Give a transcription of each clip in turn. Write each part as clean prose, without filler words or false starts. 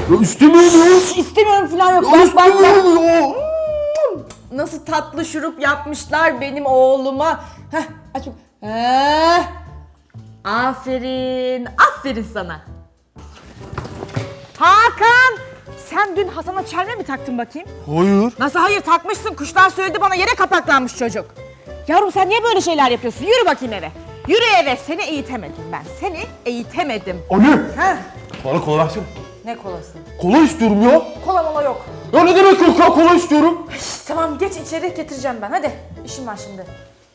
Ya istemiyorum ya. İstemiyorum falan yok. Ya Bak. istemiyorum ya. Nasıl tatlı şurup yapmışlar benim oğluma. Heh, aç. Heh. Aferin. Aferin sana. Hakan! Sen dün Hasan'a çelme mi taktın bakayım? Hayır. Nasıl hayır takmışsın? Kuşlar söyledi bana, yere kapaklanmış çocuk. Yavrum sen niye böyle şeyler yapıyorsun? Yürü bakayım eve. Yürü eve. Seni eğitemedim ben. Seni eğitemedim. Anne. Heh. Bana kola versene. Ne kolası? Kola istiyorum ya. Kola mola yok. Ya ne demek yok ya, kola istiyorum. Tamam geç içeri, getireceğim ben. Hadi işim var şimdi.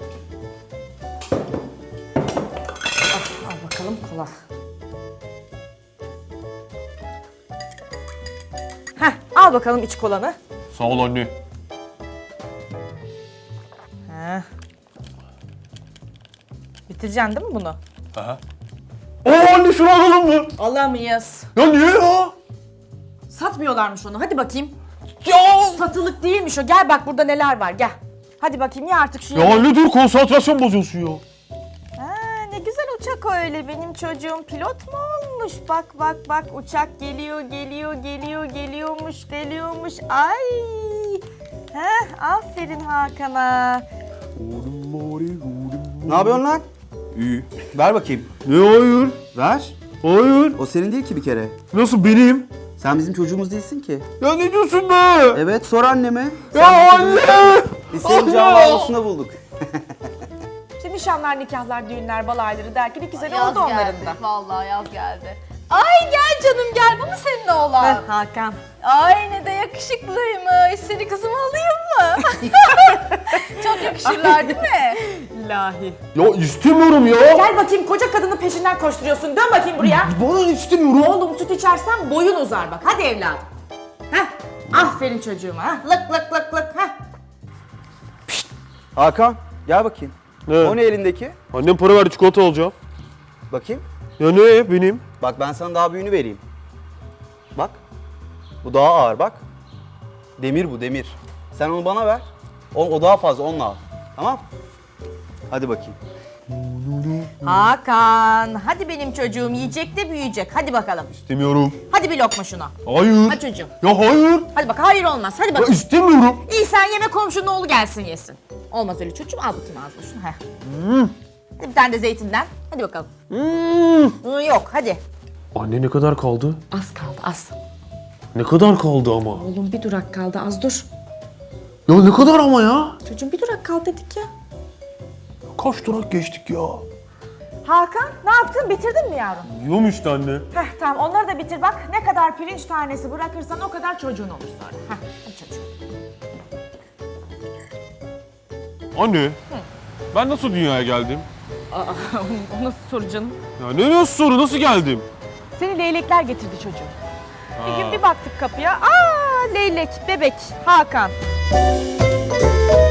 Al bakalım kola. Heh, al bakalım iç kolanı. Sağ ol anne. Heh. Bitireceksin değil mi bunu? Aa anne, şunu alalım mı? Alamayız. Ya niye ya? Satmıyorlarmış onu. Hadi bakayım. Ya. Satılık değilmiş o. Gel bak burada neler var. Gel. Hadi bakayım ya artık şu Ya anne dur, konsantrasyon bozuyorsun ya. Ne güzel uçak öyle, benim çocuğum pilot mu olmuş? Bak uçak geliyormuş. Ay. Aferin Hakan'a. Ne yapıyorsun lan? İyi. Ver bakayım. Ne hayır? Ver. Hayır. O senin değil ki bir kere. Nasıl benim? Sen bizim çocuğumuz değilsin ki. Ya ne diyorsun be? Evet, sor anneme. Ya anne! Biz senin Anne! can havlusunda bulduk. İşte nişanlar, nikahlar, düğünler, balayları derken 2 sene Yaz oldu onların geldi. da. Vallahi yaz geldi. Ay gel canım gel. Bu mu senin oğlan? Hakan. Ay ne de yakışıklıymış. Seni kızıma alayım mı? Çok yakışırlar değil mi? İlahi. Ya istemiyorum ya. Gel bakayım, koca kadının peşinden koşturuyorsun. Dön bakayım buraya. Bana istemiyorum. Oğlum süt içersen boyun uzar bak. Hadi evladım. Aferin çocuğuma. Lık. Hakan, gel bakayım. Ne? O ne elindeki? Annem para verdi, çikolata alacağım. Bakayım. Ya ne benim? Bak ben sana daha büyüğünü vereyim. Bak. Bu daha ağır bak. Demir bu, demir. Sen onu bana ver. O daha fazla, onunla al. Tamam? Hadi bakayım. Hakan. Hadi benim çocuğum yiyecek de büyüyecek. Hadi bakalım. İstemiyorum. Hadi bir lokma şuna. Hayır. Hadi çocuğum. Ya hayır. Hadi bak, hayır olmaz. Hadi Ya bak. istemiyorum. İyi sen yeme, komşunun oğlu gelsin yesin. Olmaz öyle çocuğum. Al bakayım ağzına şunu. Hadi bir tane de zeytinden. Hadi bakalım. Yok hadi. Anne ne kadar kaldı? Az kaldı az. Ne kadar kaldı ama? Oğlum bir durak kaldı, az dur. Ya ne kadar ama ya? Çocuğum bir durak kaldı dedik ya. Kaç durak geçtik ya? Hakan ne yaptın, bitirdin mi yavrum? Yiyorum işte anne. Tamam onları da bitir bak. Ne kadar pirinç tanesi bırakırsan o kadar çocuğun olur sonra. Hadi çocuğum. Anne. Ben nasıl dünyaya geldim? O nasıl soru canım? Ya ne nasıl soru, nasıl geldim? Seni leylekler getirdi çocuğum. Bir gün bir baktık kapıya. Leylek, bebek, Hakan.